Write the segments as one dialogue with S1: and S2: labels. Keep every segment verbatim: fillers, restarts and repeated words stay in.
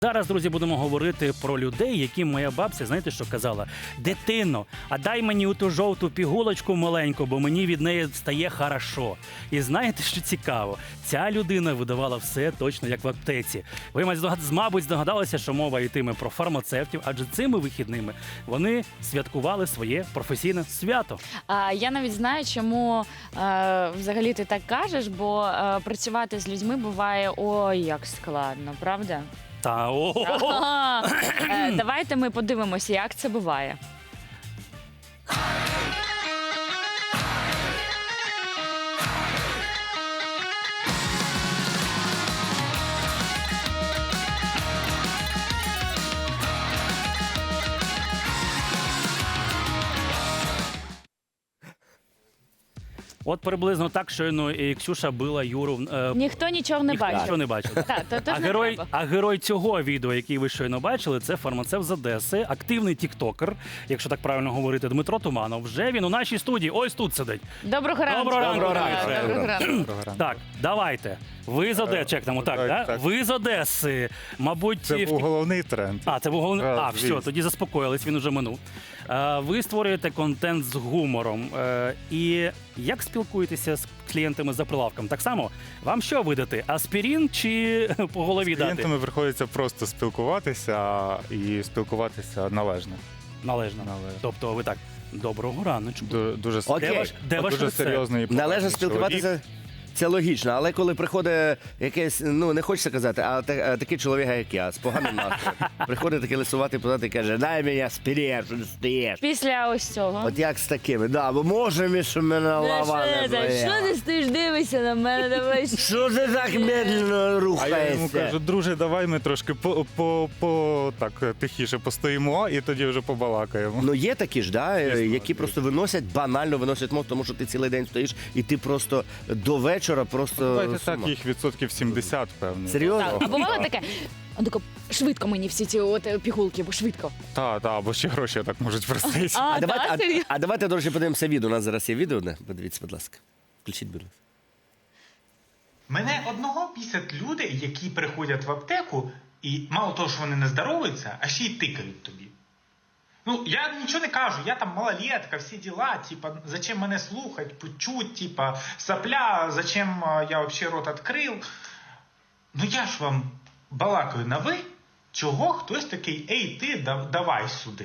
S1: Зараз, друзі, будемо говорити про людей, яким моя бабця, знаєте, що казала? Дитино, а дай мені у ту жовту пігулочку маленьку, бо мені від неї стає хорошо. І знаєте, що цікаво? Ця людина видавала все точно, як в аптеці. Ви, мабуть, здогадалися, що мова йтиме про фармацевтів, адже цими вихідними вони святкували своє професійне свято.
S2: А, я навіть знаю, чому е, взагалі ти так кажеш, бо е, працювати з людьми буває ой, як складно, правда?
S1: Та о
S2: Ага. Е, Давайте ми подивимося, як це буває.
S1: От приблизно так щойно і Ксюша била Юру. Е,
S2: Ніхто нічого не
S1: ніхто
S2: бачив.
S1: нічого не бачив.
S2: Так, то, то
S1: А
S2: ж не
S1: герой,
S2: треба.
S1: а герой цього відео, який ви щойно бачили, це фармацевт з Одеси, активний тіктокер, якщо так правильно говорити, Дмитро Туманов. Вже він у нашій студії, ось тут сидить.
S2: Доброго ранку.
S1: Доброго ранку,
S2: Доброго
S1: Дмитре.
S2: ранку. Доброго ранку.
S1: Так, давайте. Ви з Одеси, чекнемо, так,
S3: так,
S1: да?
S3: так.
S1: Ви з Одеси. Мабуть,
S3: Це
S1: в
S3: був головний тренд.
S1: А, це був головний.
S3: Так,
S1: А, все,
S3: звісно.
S1: тоді заспокоїлись, він уже минув. Е, Ви створюєте контент з гумором. Е, І як спілкуєтеся з клієнтами за прилавком? Так само, вам що видати? Аспірин чи по голові
S3: З
S1: дати?
S3: клієнтами приходиться просто спілкуватися і спілкуватися належно.
S1: Належно.
S3: Належно.
S1: Тобто ви так, доброго раночку.
S3: Ду- Дуже,
S4: Окей.
S1: Де ваш, де ваш
S3: дуже
S1: рецепт?
S3: серйозно і
S4: Належно
S3: поважний
S4: спілкуватися.
S3: чоловік.
S4: Це логічно, але коли приходить якесь, ну не хочеться казати, а та- а такий чоловік, як я, з поганим настроєм, приходить такий лисуватий позад і каже, дай мені аспірин, що ти стоїш.
S2: Після ось цього.
S4: От як з такими, да, бо може ми, що мене лава не
S2: Що
S4: боліла.
S2: ти стоїш, дивишся на мене, давай.
S4: Що ти так медленно
S3: А я йому
S4: рухаєшся?
S3: кажу, друже, давай ми трошки по, по, по так тихіше постоїмо і тоді вже побалакаємо.
S4: Ну є такі ж, да,
S3: Звісно,
S4: які
S3: звісно.
S4: просто виносять, банально виносять мозк, тому що ти цілий день стоїш і ти просто до вечора просто...
S3: Давайте
S4: з
S3: так,
S4: ума.
S3: їх відсотків сімдесят, певно.
S4: Серйозно?
S2: Так, а бувало таке? Он тако, швидко мені всі ці от е, пігулки, бо швидко.
S3: Так, так, бо ще гроші так можуть простити.
S2: А,
S4: А
S2: да,
S4: давайте,
S2: серйозно?
S4: а, а давайте, до речі, подивимося відео. У нас зараз є відео одне. Подивіться, будь ласка. Включіть, будь ласка.
S5: Мене одного бісять люди, які приходять в аптеку, і мало того, що вони не здоровуються, а ще й тикають тобі. Ну, я нічого не кажу, я там малолетка, всі діла, типа, зачем мене слухать, почуть, типа, сопля, зачем а, я вообще рот відкрив. Ну я ж вам балакаю на ви, чого хтось такий, ей ти, да- давай сюди.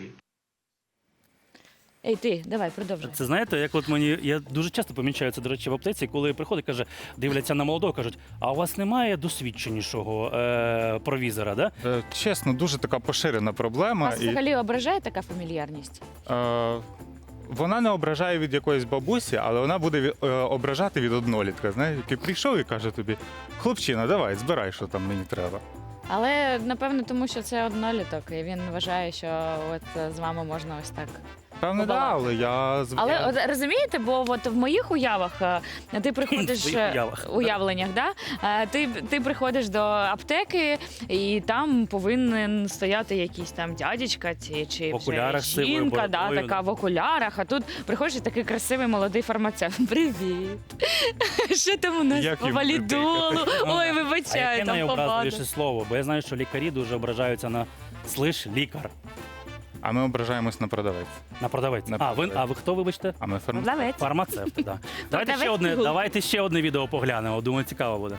S2: Ей, ти, давай, продовжуй.
S1: Це знаєте, як от мені, я дуже часто помічаю це, до речі, в аптеці, коли приходить, каже, дивляться на молодого, кажуть, а у вас немає досвідченішого е, провізора, да?
S3: Е, Чесно, дуже така поширена проблема.
S2: Вас
S3: І,
S2: взагалі ображає така фамільярність?
S3: е, вона не ображає від якоїсь бабусі, але вона буде від- е, ображати від однолітка, знаєш, який прийшов і каже тобі, хлопчина, давай, збирай, що там мені треба.
S2: Але, напевно, тому що це одноліток, і він вважає, що от е, з вами можна ось так.
S3: Певне, да,
S2: Побалакати.
S3: але я з-
S2: Але
S3: я-
S2: от, розумієте, бо от в моїх уявах е, ти приходиш
S1: В своїх
S2: е,
S1: уявах.
S2: уявленнях, да? Е, ти, ти приходиш до аптеки, і там повинен стояти якийсь там дядечка чи, чи
S1: В окулярах з сивою
S2: жінка, да,
S1: бородою,
S2: така
S1: да.
S2: в окулярах. А тут приходиш і такий красивий молодий фармацевт. Привіт! Що там у нас
S3: Як
S2: по
S3: їм
S2: валідолу?
S3: дихати?
S2: Ой,
S1: А
S2: вибачаю,
S1: яке
S2: там
S1: найобразливіше
S2: побаду.
S1: слово? Бо я знаю, що лікарі дуже ображаються на слиш лікар,
S3: А ми ображаємось на продавець.
S1: на продавець.
S3: На
S1: А, ви,
S3: продавець.
S1: а ви хто, вибачте?
S3: А ми фарм...
S2: Продавець.
S1: Фармацевти, так. Давайте ще
S2: Продавець
S1: одне,
S2: пігулки.
S1: давайте ще одне відео поглянемо. Думаю, цікаво буде.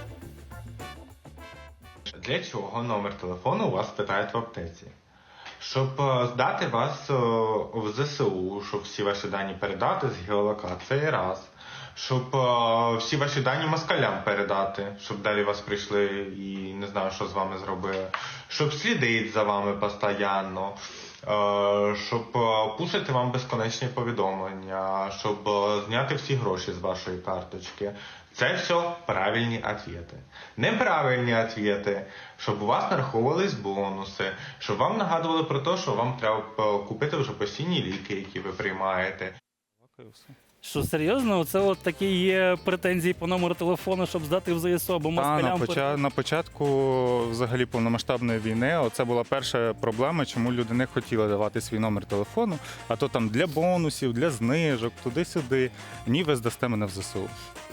S5: Для чого номер телефону у вас питають в аптеці? Щоб е, здати вас е, в ЗСУ, щоб всі ваші дані передати з геолокації раз. Щоб е, всі ваші дані москалям передати, щоб далі вас прийшли і не знаю, що з вами зробили. Щоб слідити за вами постійно. Е, щоб е, пушити вам безконечні повідомлення, щоб е, зняти всі гроші з вашої карточки. Це все правильні відповіді. Неправильні відповіді, щоб у вас нараховувались бонуси, щоб вам нагадували про те, що вам треба е, купити вже постійні ліки, які ви приймаєте.
S1: Що серйозно? Це от такі є претензії по номеру телефону, щоб здати в ЗСУ, або
S3: Та, на,
S1: москалям.
S3: поча... на початку взагалі повномасштабної війни це була перша проблема, чому люди не хотіли давати свій номер телефону, а то там для бонусів, для знижок, туди-сюди. Ні, ви здасте мене в ЗСУ.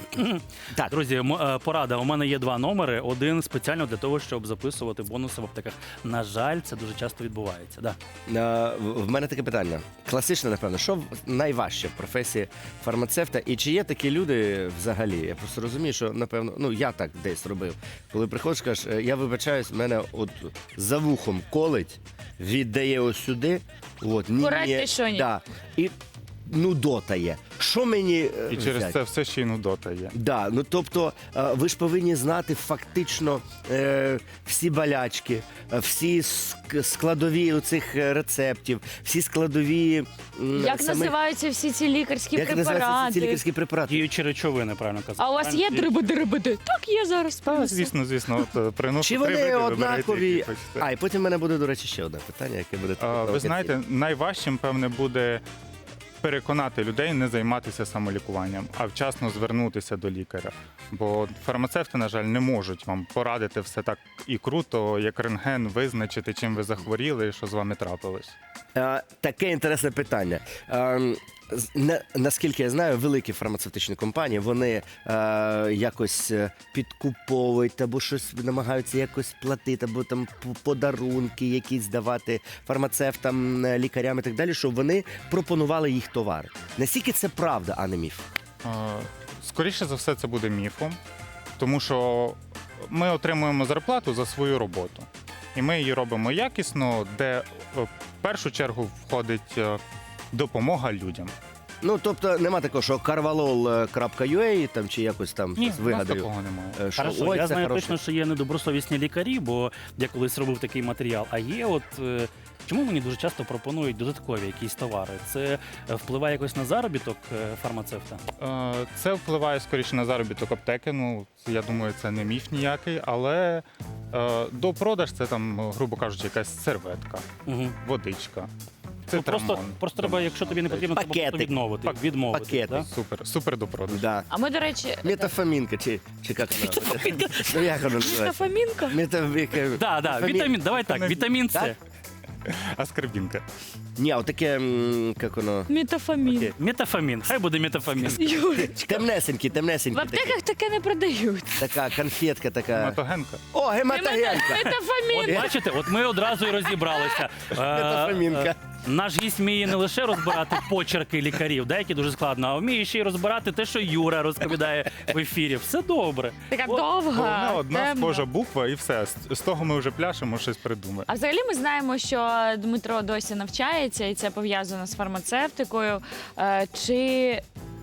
S4: Так,
S1: Друзі, м- е, порада. У мене є два номери. Один спеціально для того, щоб записувати бонуси в аптеках. На жаль, це дуже часто відбувається. Да.
S4: Е, в в мене таке питання. Класичне, напевно, що в- найважче в професії фармацевта? І чи є такі люди взагалі? Я просто розумію, що, напевно, ну я так десь робив. Коли приходиш, кажеш, «Е, я вибачаюсь, мене от за вухом колить, віддає ось сюди. От, ні,
S2: Порадьте
S4: ні,
S2: що-нібудь.
S4: да, і нудота є. Що мені е,
S3: І через
S4: взяти?
S3: це все ще й нудота є.
S4: Да, ну тобто е, ви ж повинні знати фактично е, всі болячки, е, всі ск- складові цих рецептів, всі складові м,
S2: Як
S4: самих-
S2: називаються всі ці лікарські
S4: як називаються ці
S2: препарати?
S4: лікарські препарати?
S1: Діючі речовини, правильно казати.
S2: А у вас є
S1: Правильно?
S2: дрибиди-рибиди? Так, є зараз.
S3: Та,
S2: принесу.
S3: звісно, звісно, от, е, приношу
S4: Чи
S3: три
S4: вони
S3: види, вибирайте,
S4: однакові?
S3: які хочете.
S4: А, і потім в мене буде, до речі, ще одне питання, яке буде таке
S3: А, ви
S4: провокаційне.
S3: знаєте, найважчим, певне, буде переконати людей не займатися самолікуванням, а вчасно звернутися до лікаря. Бо фармацевти, на жаль, не можуть вам порадити все так і круто, як рентген, визначити, чим ви захворіли і що з вами трапилось.
S4: Е, Таке інтересне питання. Ем, з- на- Наскільки я знаю, великі фармацевтичні компанії вони е, якось е, підкуповують або щось намагаються якось платити, або там п- подарунки якісь давати фармацевтам, е, лікарям і так далі, щоб вони пропонували їх товари. Наскільки це правда, а не міф?
S3: Е, Скоріше за все, це буде міфом, тому що ми отримуємо зарплату за свою роботу. І ми її робимо якісно, де е, в першу чергу входить е, допомога людям.
S4: Ну тобто нема такого, що карвалол крапка ю а там чи якось там
S1: Ні,
S4: щось
S3: У нас
S4: вигадаю.
S3: такого немає.
S4: е, Що,
S1: Хорошо,
S4: ой,
S1: я
S4: це
S1: знаю
S4: хороше.
S1: точно, що є недобросовісні лікарі, бо я колись робив такий матеріал. А є от е, чому мені дуже часто пропонують додаткові якісь товари? Це е, впливає якось на заробіток е, фармацевта?
S3: Е, Це впливає скоріше на заробіток аптеки. Ну, я думаю, це не міф ніякий, але е, до продаж це там, грубо кажучи, якась серветка,
S1: Угу.
S3: водичка. Це
S1: Ну, просто,
S3: трамон.
S1: просто треба, якщо тобі не потрібно, треба просто
S4: Пакетик.
S1: відмовити.
S3: Пак-
S1: відмовити
S4: пакетик.
S1: да?
S3: Супер, супер до продажу.
S4: Да.
S2: А ми, до речі,
S4: Метафамінка, чи, чи як вона? Ну як вона називається?
S2: Метафамінка?
S4: Метафамінка.
S1: Да, да, вітамін, давай так, вітамін С.
S4: Так?
S3: А скарбінка.
S4: Ні, а таке, м, як воно?
S2: Метафамін.
S4: Окей.
S1: Метафамін, хай буде метафамін.
S2: Юрочка.
S4: Темнесенький,
S2: В
S4: темнесенький.
S2: аптеках таке не продають.
S4: Така конфетка така.
S3: Матогенка.
S4: О, гематогенка.
S1: От
S2: Метафамін.
S1: бачите, от ми одразу і розібралися. Е,
S4: Метафамінка.
S1: е, Наш гість вміє не лише розбирати почерки лікарів, деякі дуже складно, а вміє ще й розбирати те, що Юра розповідає в ефірі. Все добре.
S2: Така
S1: От,
S2: довга,
S3: Головне одна
S2: темна.
S3: схожа буква і все. З- З того ми вже пляшемо, щось придумаємо.
S2: А взагалі ми знаємо, що Дмитро досі навчається, і це пов'язано з фармацевтикою. Е, Чи,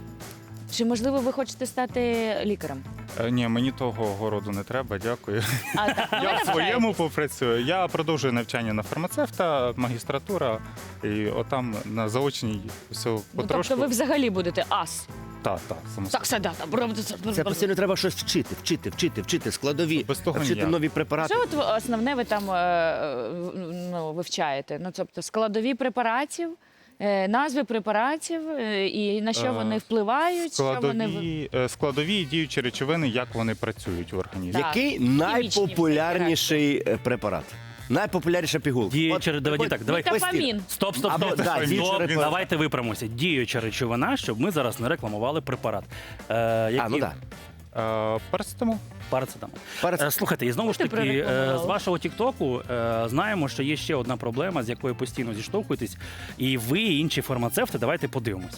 S2: чи можливо ви хочете стати лікарем?
S3: Е, Ні, мені того городу не треба, дякую.
S2: А, так, ну, ви
S3: Я в
S2: навчаєтесь.
S3: своєму попрацюю. Я продовжую навчання на фармацевта, магістратура, і отам на заочній все
S2: Ну,
S3: потрошку.
S2: тобто ви взагалі будете ас.
S3: Так, так, само
S2: Так, все, да, там.
S4: Це постійно треба щось вчити, вчити, вчити, вчити, складові,
S3: Без того
S4: вчити
S3: ніяк.
S4: нові препарати.
S2: Що от основне ви там е, е, ну, вивчаєте? Ну, тобто складові препаратів, е, назви препаратів, е, і на що
S3: Е,
S2: вони впливають, що вони... в-
S3: Складові, е, складові і діючі речовини, як вони працюють в організмі.
S2: Так.
S4: Який найпопулярніший е, препарат? Найпопулярніша пігулка.
S1: Діюча,
S4: От,
S1: давайте
S4: от,
S1: так, давайте.
S2: Метафамін.
S1: Стоп, стоп,
S4: Або,
S1: стоп.
S4: да,
S1: стоп.
S4: діюча
S1: Стоп.
S4: речовина.
S1: Давайте виправимося. Діюча речовина, щоб ми зараз не рекламували препарат. Е,
S4: А, ну
S1: який?
S4: так.
S3: Е, Парацетамол.
S1: Парацетамол.
S4: Парацет-
S1: Е, Слухайте, і знову ж
S2: Ти
S1: таки, е,
S2: прорекламувала.
S1: з вашого Тіктоку е, знаємо, що є ще одна проблема, з якою постійно зіштовхуєтесь. І ви, і інші фармацевти, давайте подивимося.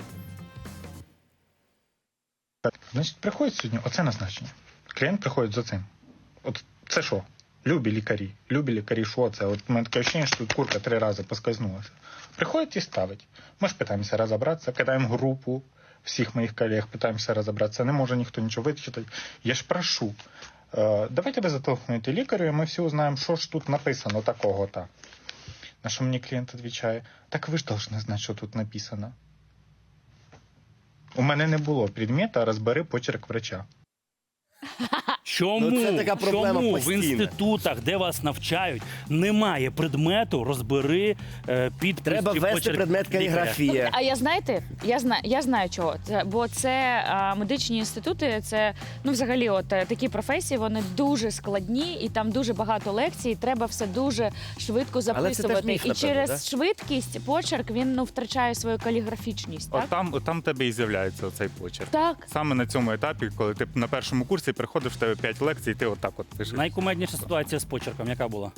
S3: Значить, приходить сьогодні оце назначення. Клієнт приходить за цим. От це що? Любі лікарі. Любі лікарі, що це? От у мене таке ощущення, що тут курка три рази поскользнулася. Приходить і ставить. Ми ж питаємося розібратися, кидаємо групу всіх моїх колег, питаємося розібратися. Не може ніхто нічого вичитати. Я ж прошу. Е, давайте ви зателефонуєте лікарю, і ми всі узнаємо, що ж тут написано такого-то. На що мені клієнт відповідає, так ви ж повинні знати, що тут написано. У мене не було предмета, розбери почерк врача.
S1: Чому,
S4: Ну, це така проблема
S1: чому в
S4: постійна.
S1: інститутах, де вас навчають, немає предмету розбери е, підпис
S4: Треба
S1: чи
S4: ввести
S1: почерк
S4: предмет
S1: лікаря?
S4: каліграфія.
S2: А я знаєте, я знаю, я знаю чого. Це, бо це а, медичні інститути, це ну взагалі, от е, такі професії, вони дуже складні, і там дуже багато лекцій. Треба все дуже швидко записувати.
S4: міф,
S2: і
S4: напевно,
S2: через
S4: да?
S2: швидкість почерк він ну втрачає свою каліграфічність. Так,
S6: От там, от там тебе і з'являється оцей почерк.
S2: так.
S6: Саме на цьому етапі, коли ти на першому курсі приходиш, в тебе п'ять лекцій, і ти отак от пишеш.
S1: Найкумедніша ситуація з почерком, яка була?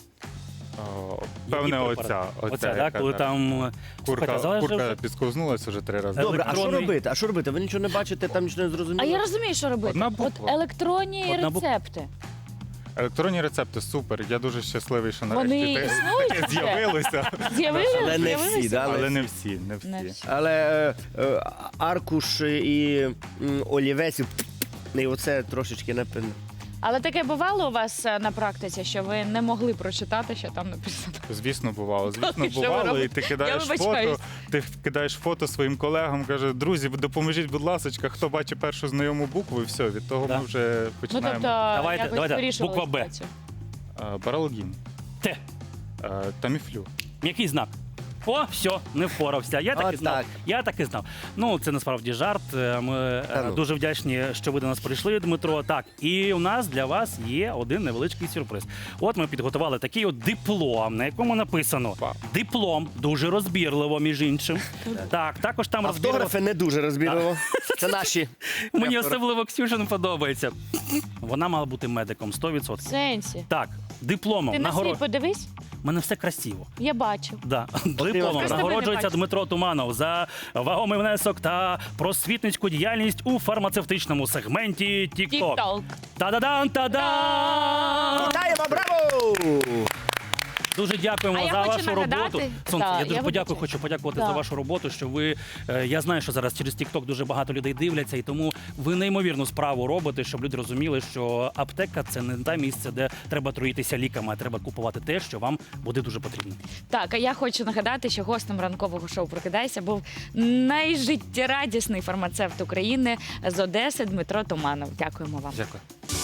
S6: О, Певне,
S1: Які
S6: оця.
S1: препарати?
S6: Оця,
S1: Оця,
S6: яка,
S1: так, коли
S6: да.
S1: там е,
S6: Курка,
S1: слухайте, залежить
S6: курка
S1: вже-
S6: підсковзнулася вже три рази.
S4: Добре, а що
S1: електронний-
S4: робити? А що робити? Ви нічого не бачите, там нічого не зрозуміло?
S2: А я розумію, що робити.
S6: Одна
S2: От
S6: буква.
S2: електронні
S1: Одна буква.
S2: рецепти.
S6: Електронні рецепти супер. Я дуже щасливий, що нарешті
S2: Вони
S6: те-
S2: існують
S6: таке
S2: вже?
S6: з'явилося.
S2: З'явилися?
S4: Але не всі,
S2: З'явилися?
S4: да?
S6: Але не всі, не всі.
S2: Не всі.
S4: Але е, е, аркуш і м, олівець, і і оце трошечки напевно.
S2: Але таке бувало у вас е, на практиці, що ви не могли прочитати, що там написано?
S6: Звісно, бувало. Звісно,
S2: що ви
S6: бувало.
S2: робите?
S6: І ти
S2: Я
S6: кидаєш
S2: вибачаюсь.
S6: фото, ти кидаєш фото своїм колегам, каже, друзі, допоможіть, будь ласка, хто бачить першу знайому букву, і все, від того
S1: Да.
S6: ми вже
S2: Ну
S6: починаємо.
S2: тобто,
S1: Давайте,
S2: якось
S1: давайте,
S2: вирішували
S1: буква Б.
S2: ситуацію.
S6: Е, Баралгін,
S1: Те.
S6: е, Таміфлю.
S1: Який знак? О, все, не впорався. Я так і
S4: От
S1: знав.
S4: так.
S1: Я так і знав. Ну, це насправді жарт. Е, Ми е,
S4: Та ну.
S1: дуже вдячні, що ви до нас прийшли, Дмитро. Так, і у нас для вас є один невеличкий сюрприз. От ми підготували такий от диплом, на якому написано
S6: Вау.
S1: диплом, дуже розбірливо, між іншим. Так, також там розбірливо.
S4: Автографи не дуже розбірливо. Це наші.
S1: Мені
S4: автографи.
S1: особливо Ксюшин подобається. Вона мала бути медиком сто
S2: В
S1: відсотків.
S2: сенсі.
S1: Так, дипломом
S2: Ти на свій
S1: нагород...
S2: подивись,
S1: У мене все красиво.
S2: я бачу.
S1: Да. Дипломом
S2: Просто ви не
S1: нагороджується
S2: бачите.
S1: Дмитро Туманов за вагомий внесок та просвітницьку діяльність у фармацевтичному сегменті TikTok.
S2: Тік-ток.
S1: Та-да-дан, та-да!
S4: Вітаємо, браво!
S1: Дуже дякуємо
S2: А я
S1: за
S2: хочу
S1: вашу
S2: нагадати-
S1: роботу. Сонце,
S2: Так,
S1: я дуже
S2: я
S1: подякую,
S2: вибачаюсь.
S1: хочу подякувати
S2: Так.
S1: за вашу роботу, що ви, е, я знаю, що зараз через TikTok дуже багато людей дивляться, і тому ви неймовірну справу робите, щоб люди розуміли, що аптека – це не те місце, де треба труїтися ліками, а треба купувати те, що вам буде дуже потрібно.
S2: Так, а я хочу нагадати, що гостем ранкового шоу «Прокидайся» був найжиттєрадісний фармацевт України з Одеси Дмитро Туманов. Дякуємо вам.
S6: Дякую.